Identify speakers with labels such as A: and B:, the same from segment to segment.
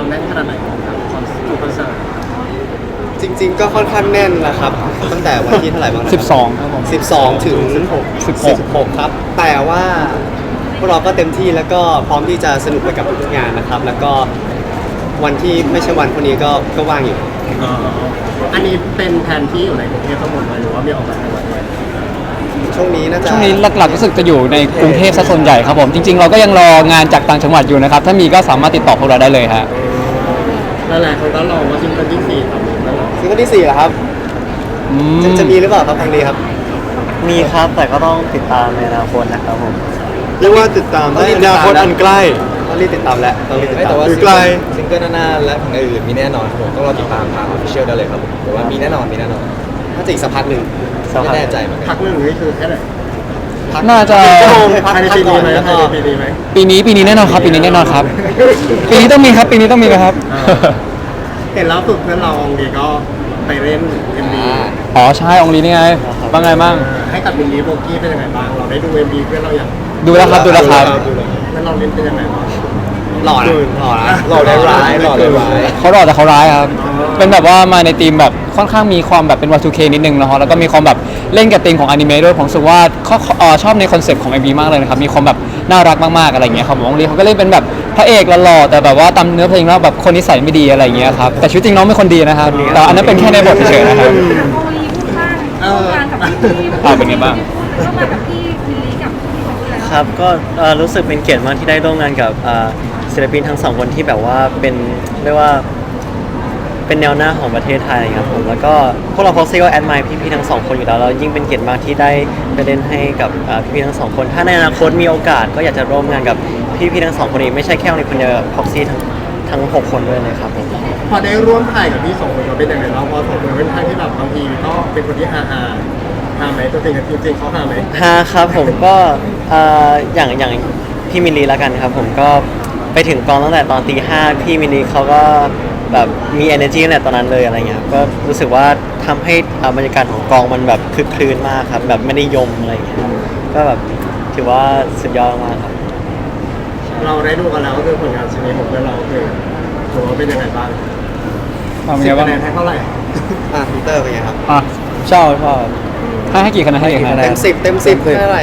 A: แน่นขนาดไหนครับคอนเสิร์ต
B: จริงๆก็ค่อนข้างแน่นนะครับตั้งแต่วันที่เท่าไหร่บ้างนะ
C: 12ครับผม
B: 12 ถึง 16 ครับ แต่ว่าพวกเราก็เต็มที่แล้วก็พร้อมที่จะสนุกไปกับทุกงานนะครับ แล้วก็วันที่ไม่ใช่วันพวกนี้ก็ว่างอยู่
A: อันนี้เป็นแผนที่อยู่ในกรุงเทพทั้งหมดเลยหรือว่ามีออกต่างจังหวัดด้วย
B: ช่วงนี้น่าจะ
C: ช่วงนี้หลักๆรู้สึกจะอยู่ในกรุงเทพซะส่วนใหญ่ครับผมจริงๆเราก็ยังรองานจากต่างจังหวัดอยู่นะครับถ้ามีก็สามารถติดต่อพวกเราได้เลยฮะ
A: หลายๆคนก็รอว่าซิงเกิลที่4ทำแล้วเหรอ
B: ซิงเกิลที่4เหรอครับ จะมีหรือเปล่าครับทางนี้ครับ
D: มีครับแต่ก็ต้องติดตามในอนาคตนะครับผม
E: เรียกว่าติดตามได้อนาคตอันใกล้
B: ต้องรีบติดตามแล้วต้องรีบติด
F: ไม่
B: ตาม
F: แต่ว่า
E: หรือไกล
F: ซิงเกิลหน้าๆและผลงานอื่นมีแน่นอนครับผมต้องรอติดตามทางออฟฟิเชียลได้เลยครับผมแต่ว่ามีแน่นอน
B: น่าจะอีกสักพักหนึ่ง
F: ไม่แน่ใจเหมือนกัน
A: พักหนึ่งนี่คือแค่ไหน
C: น่าจะ
A: ภายในปีนี้ไหม
B: แล้ว
A: ภาย
B: ก็
A: ในปีนี้ไหม
C: ปีนี้แน่นอนครับปีนี้แน่นอนครับปีนี้ต้องมีครับปีนี้ต้องมีครับ
A: เห็นแล้วสุดเพื่อนเราองดีก็ไปเล่น MV
C: อ๋อใช่องลีนี่ไงบ้างไงบ้าง
A: ให้กับมินลีโบกี้เป็นยังไงบ้างเราได้ดู MV เพื่อนเราอย่าง
C: ดูแล้วครับดูแล้วครับ
A: เพื่อนเราเล่นเป็นยังไงบ้าง
B: หล่อนะหล่อนะ
F: หล่อได้ร้ายหล่อได้ร้าย
C: เขาหล่อแต่เขาร้ายครับ เป็นแบบว่ามาในธีมแบบค่อนข้างมีความแบบเป็น Y2K นิดนึงนะฮะแล้วก็มีความแบบเล่นกับธีมของอนิเมะด้วยผมรู้สึกว่าเขาชอบในคอนเซ็ปต์ของ MV มากเลยนะครับมีความแบบน่ารักมากๆอะไรอย่างเงี้ยครับผมองลีเขาก็เล่นเป็นแบบพระเอกหล่อๆแต่แบบว่าตามเนื้อเพลงแล้วแบบคนนิสัยไม่ดีอะไรอย่างเงี้ยครับแต่ชีวิตจริงน้องเป็นคนดีนะครับแต่อันนั้นเป็นแค่ในบทเฉยๆนะครับ
G: โอลีพูดบ้างร่วมงานกับพี่
C: เป็นไงบ้าง
G: ร่วมงานกับพี่มิลลีกับพี่เขาแล้ว
D: ครับก็รู้สึกเป็นเกียรติมากที่ได้ร่วมงานกับศิลปินทั้งสองคนที่แบบว่าเป็นเรียกว่าเป็นแนวหน้าของประเทศไทยครับผมแล้วก็พวกเรา Foxy ก็แอดมายพี่ๆทั้งสองคนอยู่แล้วเรายิ่งเป็นเกียรติมากที่ได้ไปเล่นให้กับพี่ๆทั้งสองคนถ้าในอนาคตมีโอกาสก็อยากจะร่วมงานกับพี่ๆทั้งสองคนนี้ไม่ใช่แค่คนเดียว Foxy ทั้ง6 คนด้วยเลยครับผม
A: พอได้ร่วมถ่ายกับพี่สองคนเราเป็นยังไงบ้างเพราะสองคนเป็นท่านที่แบบบางทีก็เป็นคนที่ฮาไหมตัวจริงกับจริงเขาฮาไหม
D: ฮะครับผมก็อย่างพี่มิลลีแล้วกันครับผมก็ไปถึงกองตั้งแต่ตอนตี 5พี่มิลลีเขาก็แบบมี energy ตั้งแต่ตอนนั้นเลยอะไรเงี้ยก็รู้สึกว่าทำให้บรรยากาศของกองมันแบบคึกครื้นมากครับแบบไม่ได้ยมอะไรเงี้ยก็แบบถือว่าสุดยอดมากครับ
A: เราได้ดูกันแล้วก็คือผลงานชิ้นนี้ของเพื่อนเราคือถือว่าเป็นยังไงบ้าง
C: เป็นไง
A: 10
C: บ้าง
A: คะแนนให้เท่าไหร่
B: พีเตอร์เป็นไงครับ
C: อ่ะชอบให้กี่คะแนนให้กี่คะแน
B: เต็
C: น
B: ม10ให้เท่าไหร่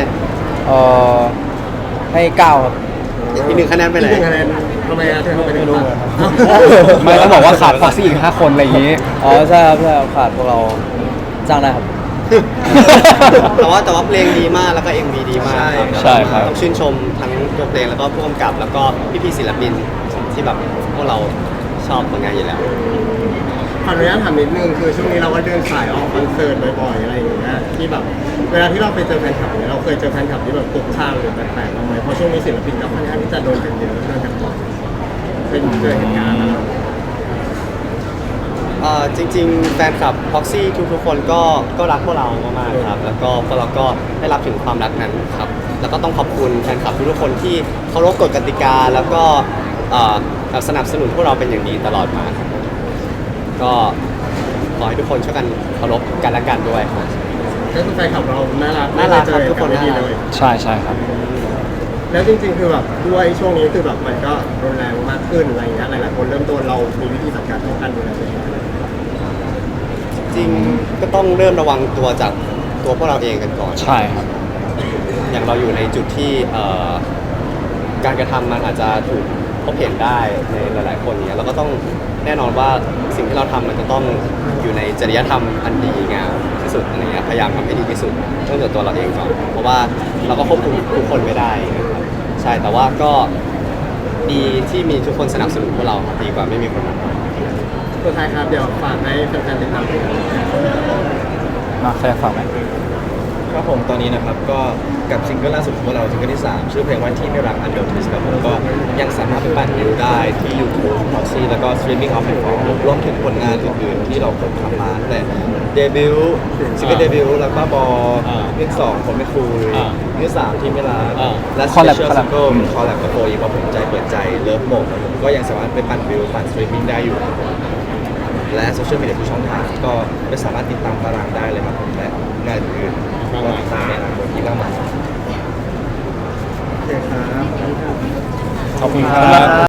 C: ให้9ครับ
B: อีก1 คะแนนไปไหน
A: 1 คะแนนทำไมถึงเข้าไปไม่รู้
C: ไม่ต้องบอกว่าขาดฟ็อกซี่อีก5 คนอะไรอย่างนี้
D: อ๋อใช่ครับขาดพวกเราจ้างได้ครับ
B: แต่ว่าเพลงดีมากแล้วก็ MV ดีมากครับ
C: ใช่ครับ
B: ต้องชื่นชมทั้งตัวเพลงแล้วก็ผู้กำกับแล้วก็พี่ๆศิลปินที่แบบพวกเราชอบผลงานอยู่แล้ว
A: ขออนุญาตถามนิดนึงคือช่วงนี้เราก็เดินสายออกคอนเสิร์ตบ่อยๆอะไรอย่างเงี้ยที่แบบเวลาที่เราไปเจอแฟนคลับเนี่ยเราเคยเจอแฟนคลับที่แบบตกทางหรือแปลกๆบ้างไหมเพราะช่วงนี้ศิลปินก็ค่อนข้างที่จะโดนกันเยอะโดนกันบ่อยเป็นเจอเหตุการณ์อะไร
B: จริงๆแฟนคลับ Proxy ทุกๆคนก็รักพวกเรามากๆครับแล้วก็พวกเราก็ได้รับถึงความรักนั้นครับแล้วก็ต้องขอบคุณแฟนคลับทุกๆคนที่เคารพกฎกติกาแล้วก็แบบสนับสนุนพวกเราเป็นอย่างดีตลอดมาครับก็ขอให้ทุกคนช่วยกันเคารพกันและกันด้วยครับ
A: ก็คือแฟนคลับเราน่ารัก
B: น่ารักครับ
A: ไม่
B: ทุกคน
A: ไม่ดี
B: น่ารัก
A: เลย
C: ใช่ครับ
A: แล้วจริงๆคือแบบด้วยช่วงนี้คือแบบมันก็รุนแรงมากขึ้นอะไรอย่างเงี้ยหลายๆคนเริ่มต้นเรามีวิธีจัดการป้องกันดูแลตัวเอง
B: จริงก็ต้องเริ่มระวังตัวจากตัวพวกเราเองกันก่อน
C: ใช่ครับ
B: อย่างเราอยู่ในจุดที่การกระทำมันอาจจะถูกพบเห็นได้ในหลายๆคนเนี้ยเราก็ต้องแน่นอนว่าสิ่งที่เราทำมันจะต้องอยู่ในจริยธรรมอันดีงามที่สุดอะไรเงี้ยพยายามทำให้ดีที่สุดเริ่มจากตัวเราเองก่อนเพราะว่าเราก็ควบคุมทุกคนไม่ได้นะครับใช่แต่ว่าก็ดีที่มีทุกคนสนับสนุนพวกเราครับดีกว่าไม่มีคนมา
A: สุดท้ายครับเดี๋ยวฝากให้แฟนๆติดตามผลงาน
C: มาใครฝากไหม
F: ครับผมตอนนี้นะครับก็กับซิงเกิลล่าสุดของพวกเราซิงเกิลที่ 3 ชื่อเพลงว่าที่ไม่รักอันเดอร์ทิสครับผมก็ยังสามารถไปปั่นวิวได้ที่ YouTube Proxy แล้วก็ Streaming of Platform รวมถึงผลงานอื่นๆที่เราเคยทำมาตั้งแต่เดบิวต์ซิงเกิลเดบิวต์แล้วก็บอเรื่อง2คนไม่คุยเรื่อง3ที่ไม่รักและ
C: Collab
F: Special Single คอลแลบกับโฟอีว่าผมใจเปิดใจเลิฟโหมดครับผมก็ยังสามารถไปปั่นวิวปั่น Streaming ได้อยู่ครับผมและโซเชียลมีเดียทุกช่องทางก็ไม่สามารถติดตามตารางได้เลยครับผมและงานอื่นๆก็ติดตามในอนาคตที่มากมาย
A: โอเคครับ
C: ขอบคุณครับ